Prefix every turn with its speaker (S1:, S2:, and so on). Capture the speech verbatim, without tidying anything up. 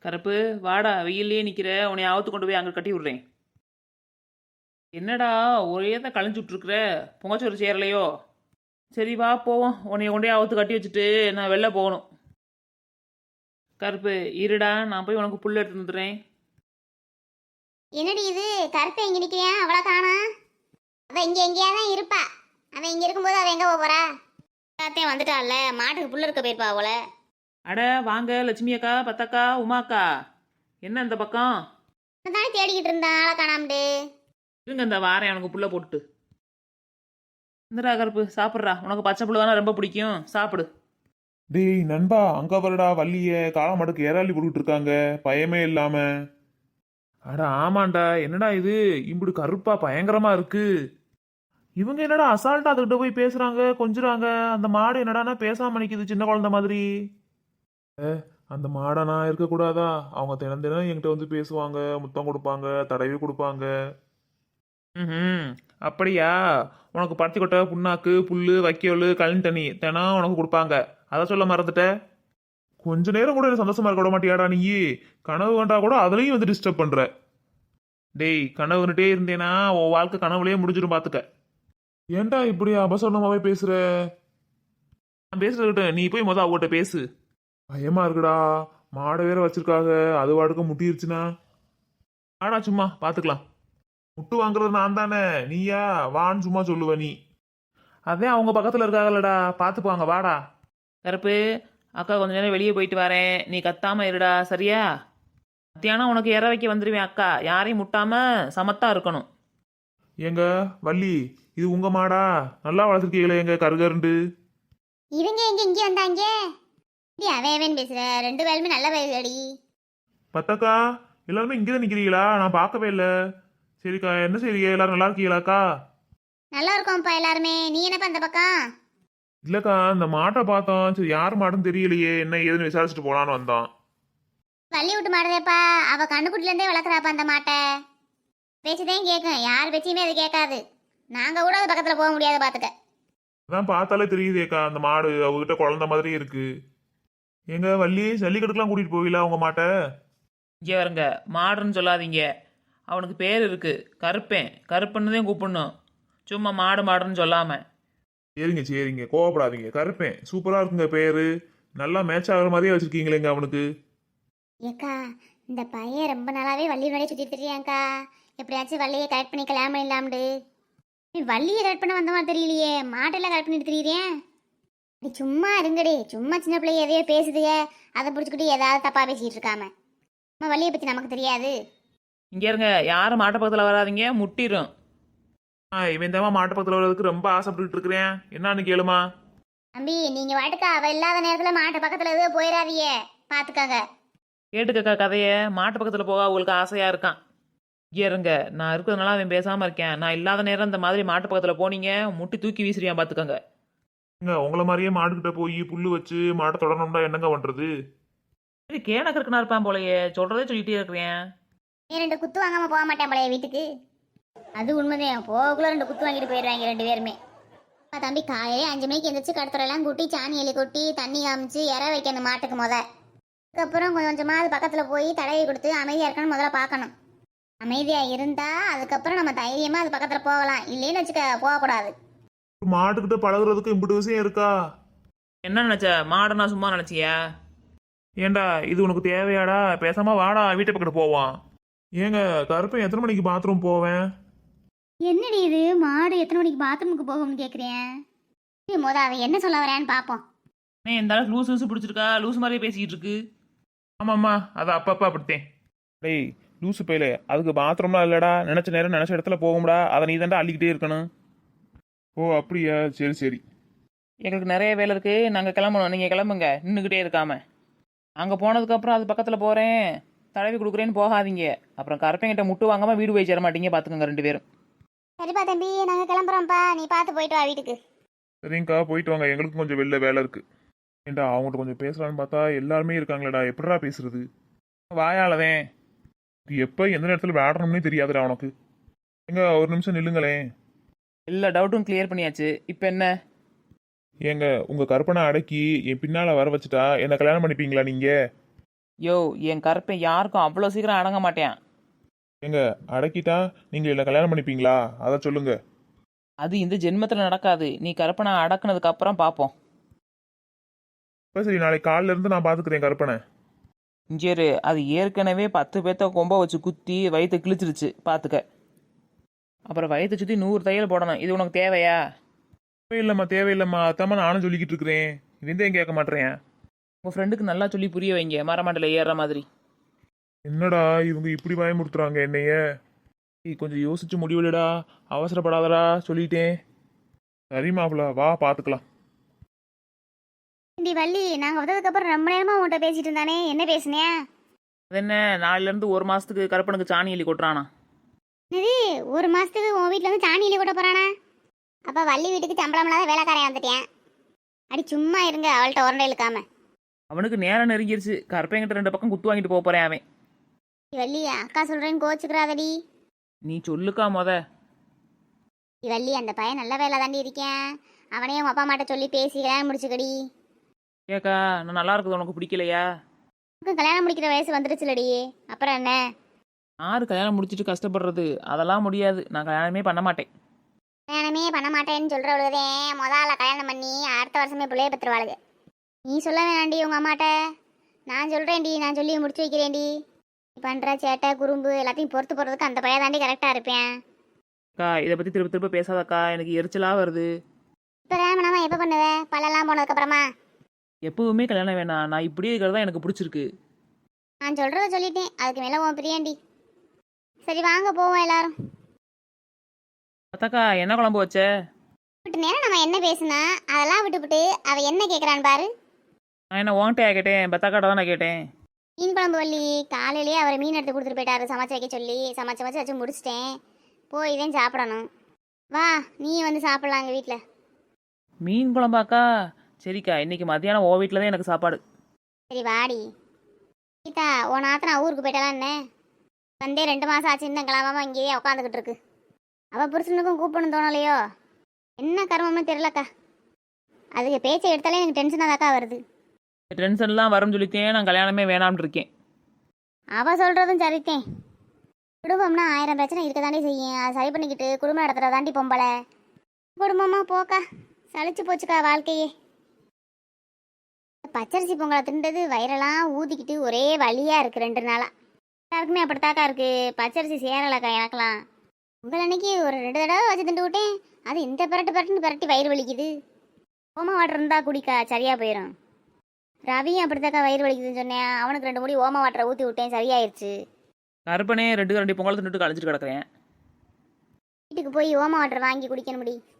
S1: கருப்பு, வாடா, வெயில்லயே நிக்கிற, உன்னை ஆவத்து கொண்டு போய் அங்க கட்டி விடுறேன். என்னடா ஒரே தான் களைஞ்சு விட்டுருக்குற, பொங்கச்சோறு சேரலையோ? சரி வா போவோம், உன்னை கொண்டே ஆவத்து கட்டி வச்சுட்டு நான் வெளில போகணும். கருப்பு, இருடா, நான் போய் உனக்கு புல் எடுத்து வந்துடுறேன்.
S2: என்னடி இது கருப்பை எங்க நிக்கிறியா? அவளை காணா. அவ இங்க எங்கேயா தான் இருப்பா. அவன் இங்க இருக்கும்போது அவ எங்க போக போறா? எல்லாத்தையும் வந்துட்டால, மாட்டுக்கு புல்லு இருக்க போயிருப்பா அவள.
S1: அட வாங்க லட்சுமி அக்கா, பத்தக்கா, உமாக்கா, என்ன இந்த பக்கம்?
S2: தானே தேடிக்கிட்டு இருந்தா ஆளை காணாமட்டு.
S1: இருங்க இந்த வாரேன் உனக்கு புல்ல போட்டுட்டு. இந்தடா கருப்பு, சாப்பிட்றா, உனக்கு பச்சை புல்லு தானே ரொம்ப பிடிக்கும், சாப்பிடு.
S3: டேய் நண்பா, அங்க வரடா வள்ளிய காலமாடுக்கு ஏறாளி போட்டுட்டு இருக்காங்க பயமே இல்லாம. அட ஆமாண்டா, என்னடா இது இம்புடு கருப்பா பயங்கரமா இருக்கு. இவங்க என்னடா அசால்ட்டா அதுகிட்ட போய் பேசுறாங்க, கொஞ்சுறாங்க. அந்த மாடு என்னடானா பேசாம நிக்குது சின்ன குழந்தை மாதிரி. ஏ, அந்த மாடை நான் இருக்கக்கூடாதா? அவங்க தினம் தினம் என்கிட்ட வந்து பேசுவாங்க, முத்தம் கொடுப்பாங்க, தடவி கொடுப்பாங்க.
S1: ம், அப்படியா? உனக்கு பருத்தி கொட்டை, புண்ணாக்கு, புல்லு, வைக்கோல், கழனி தண்ணி தினம் உனக்கு கொடுப்பாங்க, அதை சொல்ல மறந்துட்ட.
S3: கொஞ்ச நேரம் கூட எனக்கு சந்தோஷமா இருக்க விட மாட்டியாடா நீ? கனவு கண்டா கூட அதுலயும் வந்து டிஸ்டர்ப் பண்ற.
S1: டேய், கனவுன்னுட்டே இருந்தேனா உன் வாழ்க்கை கனவுலயே முடிஞ்சிடும் பாத்துக்க.
S3: ஏன்டா இப்படி அபசரணமாவே பேசுற?
S1: நான் பேசுறதுக்கிட்ட நீ போய் மொதல் அவங்ககிட்ட பேசு.
S3: பயமா இருக்குடா, மாடை வேற வச்சிருக்காங்க, அது வாடுக்க முட்டிருச்சுன்னா.
S1: ஆடா சும்மா பாத்துக்கலாம்.
S3: முட்டு வாங்குறது நான் தானே, நீயா வான்னு சும்மா சொல்லுவ நீ.
S1: அதே அவங்க பக்கத்துல இருக்காங்கல்லடா, பாத்துப்பாங்க, வாடா. கருப்பு அக்கா, கொஞ்ச நேரம் வெளியே போயிட்டு வரேன், நீ கத்தாம இருடா, சரியா? மத்தியானம் உனக்கு இற வைக்க வந்துடுவேன் அக்கா, யாரையும் முட்டாம சமத்தா இருக்கணும்.
S3: ஏங்க வள்ளி, இது உங்க மாடா? நல்லா வளர்த்துருக்கீங்களே எங்க கருகருண்டு.
S2: இவங்க எங்க இங்க வந்தாங்க? இப்படி அவன் அவன் பேசுற, ரெண்டு பேருமே நல்ல வயசுடி.
S3: பத்தக்கா, எல்லாருமே இங்கதான் நிக்கிறீங்களா? நான் பார்க்கவே இல்லை. சரிக்கா, என்ன செய்றீங்க? எல்லாரும் நல்லா இருக்கீங்களாக்கா?
S2: நல்லா இருக்கோம்ப்பா எல்லாருமே. நீ என்னப்பா அந்த பக்கம்?
S3: இல்லக்கா, இந்த மாட்டை பார்த்தோம், சரி யார் மாடுன்னு தெரியலையே, என்ன ஏதுன்னு விசாரிச்சுட்டு போலான்னு வந்தோம்.
S2: வள்ளி விட்டு மாடுதேப்பா, அவ கண்ணுக்குட்டில இருந்தே வளர்க்குறாப்பா அந்த மாட்டை. பேச்சுதான் கேட்கும், யார் பேச்சையுமே அது கேட்காது. நாங்க கூட அது பக்கத்துல போக முடியாது பாத்துக்க.
S3: அதான் பார்த்தாலே தெரியுதேக்கா, அந்த மாடு அவகிட்ட குழந்த மாதிரி இருக்கு. எங்க வள்ளி, ஜல்லிக்கட்டுக்கெல்லாம் கூட்டிட்டு போவீங்களா உங்க மாட்டை?
S1: இங்கே வருங்க, மாடுன்னு சொல்லாதீங்க, அவனுக்கு பேர் இருக்கு, கருப்பேன், கருப்புன்னு தான் கூப்பிடணும், சும்மா மாடு மாடுன்னு சொல்லாம.
S3: சரிங்க சரிங்க, கோவப்படாதீங்க. கருப்பேன் சூப்பரா இருக்குங்க பேரு, நல்லா மேட்ச் ஆகுற மாதிரியே வச்சிருக்கீங்களேங்க அவனுக்கு.
S2: ஏக்கா, இந்த பையன் ரொம்ப நாளாவே வள்ளி முன்னாடியே சுத்திட்டு தெரியாங்கக்கா. எப்படியாச்சும் வள்ளியை கரெக்ட் பண்ணி கல்யாணம் பண்ணிடலாம்டு. நீ வள்ளியை கரெக்ட் பண்ண வந்த மாதிரி தெரியலையே, மாட்டெல்லாம் கரெக்ட் பண்ணிட்டு தெரியுறேன். நீ சும்மா இருங்கடி, சும்மா சின்ன பிள்ளைய எதையோ பேசுதுக, அதை பிடிச்சிக்கிட்டு ஏதாவது தப்பா பேசிட்டு இருக்காம. நம்ம வள்ளியை பத்தி நமக்கு தெரியாது.
S1: இங்க இருங்க, யாரும் மாட்டு பக்கத்துல வராதீங்க, முட்டிரும்.
S3: ஆ, இவன் தான் மாட்டு பக்கத்துல வர்றதுக்கு ரொம்ப ஆசைப்பட்டுட்டு இருக்கிறேன், என்னன்னு கேளுமா?
S2: தம்பி, நீங்க வாட்டுக்கா அவ இல்லாத நேரத்துல மாட்டு பக்கத்துல எதுவும் போயிடாதீங்க, பாத்துக்கோங்க.
S1: கேட்டுக்கக்கா கதைய, மாட்டு பக்கத்துல போக அவங்களுக்கு ஆசையா இருக்கான். இங்கே இருங்க, நான் இருக்கிறதுனால அவன் பேசாம இருக்கேன், நான் இல்லாத நேரம் இந்த மாதிரி மாட்டு பக்கத்துல போனீங்க முட்டி தூக்கி வீசுறியான் பாத்துக்கோங்க.
S3: இங்க உங்களை மாதிரியே மாடுகிட்ட போய் புல்லு வச்சு மாட்டை தொடரணும்னா என்னங்க பண்றது?
S1: இது கேனக்கு இருக்குனா இருப்பான் போலயே, சொல்றதே சொல்லிட்டே இருக்கிறேன்.
S2: நீ ரெண்டு குத்து வாங்காம போக மாட்டேன் போலயே வீட்டுக்கு. அது உண்மைதான், போகக்குள்ள ரெண்டு குத்து வாங்கிட்டு போயிடுவாங்க ரெண்டு பேருமே. அப்பா தம்பி, காலையிலே அஞ்சு மணிக்கு எந்திரிச்சு கடத்துறெல்லாம் கூட்டி சாணி எலி கொட்டி தண்ணி காமிச்சு இற வைக்கணும் மாட்டுக்கு முத. அதுக்கப்புறம் கொஞ்சம் கொஞ்சமாக அது பக்கத்தில் போய் தடவி கொடுத்து அமைதியாக இருக்கணும் முதல்ல பார்க்கணும். அமைதியாக இருந்தா அதுக்கப்புறம் நம்ம தைரியமாக அது பக்கத்தில் போகலாம், இல்லைன்னு வச்சுக்க போகக்கூடாது.
S3: மாட்டுக்கிட்ட பழகுறதுக்கு இம்புட்டு விஷயம் இருக்கா?
S1: என்ன நினைச்ச, மாடனா சும்மா நினைச்சியா?
S3: ஏண்டா இது உனக்கு தேவையாடா? பேசாம வாடா வீட்டை பக்கத்து போவான். ஏங்க கருப்பன் எத்தனை மணிக்கு பாத்ரூம் போவேன்?
S2: என்னடி இது, மாடு எத்தனை மணிக்கு பாத்ரூமுக்கு போகும்னு கேட்குறேன். முத அவன் என்ன சொல்ல வரான்னு பார்ப்போம்.
S1: ஏன் இந்த அளவுக்கு லூஸ் லூசு பிடிச்சிருக்கா, லூஸ் மாதிரியே பேசிக்கிட்டு இருக்கு.
S3: ஆமாம்மா, அது அப்பப்போ அப்படித்தேன். டேய் லூசு பையில, அதுக்கு பாத்ரூம்லாம் இல்லடா, நினைச்ச நேரம் நினைச்ச இடத்துல போகும்டா, அதை நீ தாண்டா அள்ளிக்கிட்டே இருக்கணும். ஓ அப்படியா, சரி சரி.
S1: எங்களுக்கு நிறைய வேலை இருக்கு, நாங்கள் கிளம்பணும், நீங்கள் கிளம்புங்க, நின்றுக்கிட்டே இருக்காம. அங்கே போனதுக்கப்புறம் அது பக்கத்தில் போகிறேன் தடவி கொடுக்குறேன்னு போகாதீங்க, அப்புறம் கருப்பங்கிட்ட முட்டு வாங்காம வீடு போய் சேர மாட்டீங்க பார்த்துக்கோங்க ரெண்டு பேரும்.
S2: சரிப்பா தம்பி, நாங்கள் கிளம்புறோம்ப்பா, நீ பார்த்து போயிட்டு வா வீட்டுக்கு.
S3: சரிங்கக்கா, போயிட்டு வாங்க, எங்களுக்கும் கொஞ்சம் வெளில வேலை இருக்கு. ஏண்டா அவங்கள்ட்ட கொஞ்சம் பேசலான்னு பார்த்தா எல்லாருமே இருக்காங்களேடா, எப்படிடா பேசுறது?
S1: வாயாலதேன்.
S3: எப்போ எந்த நேரத்தில் விளையாடணும்னே தெரியாதுடா உனக்கு. எங்க ஒரு நிமிஷம் நில்லுங்களேன்.
S1: எல்லா டவுட்டும் கிளியர் பண்ணியாச்சு, இப்போ என்ன?
S3: ஏங்க உங்க கற்பனை அடக்கி என் பின்னால வர வச்சுட்டா என்ன கல்யாணம் பண்ணிப்பீங்களா நீங்க?
S1: யோ என் கருப்பை யாருக்கும் அவ்வளோ சீக்கிரம் அடங்க மாட்டேன்.
S3: ஏங்க அடக்கிட்டா நீங்க இல்லை கல்யாணம் பண்ணிப்பீங்களா அதை சொல்லுங்க.
S1: அது இந்த ஜென்மத்தில் நடக்காது. நீ கருப்பனை அடக்குனதுக்கு அப்புறம் பார்ப்போம்.
S3: இப்போ சரி, நாளைக்கு காலையில இருந்து நான் பார்த்துக்கிறேன் கருப்பனை.
S1: இஞ்சேரு அது ஏற்கனவே பத்து பேர்த்த கொம்ப வச்சு குத்தி வயிற்று கிழிச்சிருச்சு பார்த்துக்க. அப்புறம் வயிற்றை சுற்றி நூறு தையல் போடணும். இது உனக்கு தேவையா?
S3: தேவையில்லைம்மா தேவையில்லைம்மா அத்தாம்மா நானும் சொல்லிக்கிட்டு இருக்கிறேன். இவன் ஏன் கேட்க மாட்டேறேன்.
S1: உங்கள் ஃப்ரெண்டுக்கு நல்லா சொல்லி புரிய வைங்க, மரமண்டல ஏறுற மாதிரி.
S3: என்னடா இவங்க இப்படி பயமுறுத்துறாங்க என்னைய. ஏய், கொஞ்சம் யோசிச்சு முடிவுலடா, அவசரப்படாதடா சொல்லிட்டேன். சரி மாப்பிள வா பார்த்துக்கலாம்.
S2: இண்டி வள்ளி, நாங்கள் வந்ததுக்கு அப்புறம் ரொம்ப நேரமா உன்கிட்ட பேசிட்டு இருந்தானே, என்ன பேசுனியா?
S1: அது என்ன, நாலுலேருந்து ஒரு மாதத்துக்கு கருப்பனுக்கு சாணி எலி கொட்டுறானா?
S2: இது ஒரு மாசத்துக்கு உன் வீட்டுல இருந்து சாணி இலி கூட போறானா? அப்ப வள்ளி வீட்டுக்கு சம்பளம் இல்லாத வேலைக்காரன் வந்துட்டேன். அடி சும்மா இருங்க, அவள்கிட்ட உரண்டை இழுக்காம.
S1: அவனுக்கு நேரம் நெருங்கிருச்சு. கருப்பைங்கிட்ட ரெண்டு பக்கம் குத்து வாங்கிட்டு போக போறேன் அவன்.
S2: வள்ளி, அக்கா சொல்றேன்னு கோச்சுக்கிறாதடி.
S1: நீ சொல்லுக்கா மொத.
S2: வள்ளி, அந்த பையன் நல்ல வேலை தாண்டி இருக்கேன். அவனையும் உங்க அப்பா அம்மாட்ட சொல்லி பேசி கல்யாணம் முடிச்சுக்கடி.
S1: ஏக்கா நான் நல்லா இருக்குது உனக்கு பிடிக்கலையா?
S2: உனக்கு கல்யாணம் முடிக்கிற வயசு வந்துருச்சுலடி, அப்புறம் என்ன?
S1: யாரு கல்யாணம் முடிச்சிட்டு கஷ்டப்படுறது? அதெல்லாம் முடியாது. நான் கல்யாணமே பண்ண மாட்டேன்.
S2: கல்யாணமே பண்ண மாட்டேன்னு சொல்றவளுதே முதல்ல கல்யாணம் பண்ணி அடுத்த வருஷமே பிள்ளைய பெற்றுவாளுங்க. நீ சொல்ல வேணாண்டி உங்க அம்மாட்ட. நான் சொல்றேன்டி, நான் சொல்லி முடிச்சு வைக்கிறேன்டி. நீ பண்ற சேட்டை குறும்பு எல்லாத்தையும் பொறுத்து போறதுக்கு அந்த பையன் தாண்டி கரெக்டா இருப்பேன்.
S1: அக்கா இதை பத்தி திரும்ப திரும்ப பேசாதக்கா, எனக்கு எரிச்சலா வருது.
S2: இப்ப கல்யாணம் எப்ப பண்ணுவ? பல்லெல்லாம் போனதுக்கு அப்புறமா?
S1: எப்பவுமே கல்யாணம் வேணாம். நான் இப்படியே இருக்கிறது தான் எனக்கு பிடிச்சிருக்கு.
S2: நான் சொல்றத சொல்லிட்டேன், அதுக்கு மேல உன் பிரியாண்டி. சரி வாங்க போவோம் எல்லாரும்.
S1: அத்தாக்கா என்ன குழம்பு வச்ச?
S2: விட்டு நேரம் நம்ம என்ன பேசுனா அதெல்லாம் விட்டுவிட்டு அவ என்ன கேட்கறான்னு பாரு.
S1: நான் என்ன ஓன்ட்டையா கேட்டேன்? பத்தாக்காட்ட தான் நான் கேட்டேன்.
S2: மீன் குழம்பு வள்ளி, காலையிலேயே அவர் மீன் எடுத்து கொடுத்துட்டு போயிட்டாரு சமைச்சு வைக்க சொல்லி. சமைச்சு வச்சு வச்சு முடிச்சிட்டேன். போய் தான் சாப்பிடணும். வா நீ வந்து சாப்பிடலாம் எங்கள் வீட்டில்.
S1: மீன் குழம்பாக்கா? சரிக்கா, இன்னைக்கு மத்தியானம் ஓ வீட்டில் தான் எனக்கு சாப்பாடு.
S2: சரி வாடி. கீதா, உன் ஆத்தனா ஊருக்கு போயிட்டாலாம் என்ன? வந்தே ரெண்டு மாதம் ஆச்சு, இன்னும் கிளம்பாம இங்கேயே உட்காந்துக்கிட்டு இருக்கு. அவள் புருஷனுக்கும் கூப்பிடணும் தோணலையோ? என்ன கர்மம்னு தெரியலக்கா. அதுக்கு பேச்சை எடுத்தாலே எனக்கு டென்ஷனாக தாக்கா வருது.
S1: டென்ஷன்லாம் வரும்னு சொல்லித்தேன் நான் கல்யாணமே வேணாம்னு இருக்கேன்.
S2: அவள் சொல்கிறதும் சரித்தேன். குடும்பம்னா ஆயிரம் பிரச்சனை இருக்க தாண்டி செய்யும். அதை சரி பண்ணிக்கிட்டு குடும்பம் நடத்துகிற தாண்டி பொம்பளை. குடும்பமாக போக்கா, சளிச்சு போச்சுக்கா வாழ்க்கையே. பச்சரிசி பொங்கலை தின்றது வயிறெல்லாம் ஊதிக்கிட்டு ஒரே வலியாக இருக்குது ரெண்டு நாளாக. எல்லாருக்குமே அப்படித்தாக்கா இருக்குது. பச்சரிசி சேரலக்கா எனக்கெல்லாம். உங்கள் அன்னைக்கு ஒரு ரெண்டு தடவை வச்சு திண்டு விட்டேன். அது இந்த பிரட்டு பிரட்டுன்னு பிரட்டி வயிறு வலிக்குது. ஓம வாட்டர் இருந்தால் குடிக்கா, சரியாக போயிடும். ரவியும் அப்படித்தாக்கா வயிறு வலிக்குதுன்னு சொன்னேன். அவனுக்கு ரெண்டு மூடி ஓம வாட்டரை ஊற்றி விட்டேன், சரியாயிருச்சு.
S1: கருப்பனே ரெண்டு ரெண்டு பொங்கலை தின்னுட்டு கழிச்சிட்டு கிடக்குறேன்.
S2: வீட்டுக்கு போய் ஓம வாட்டர் வாங்கி குடிக்கணும் முடி.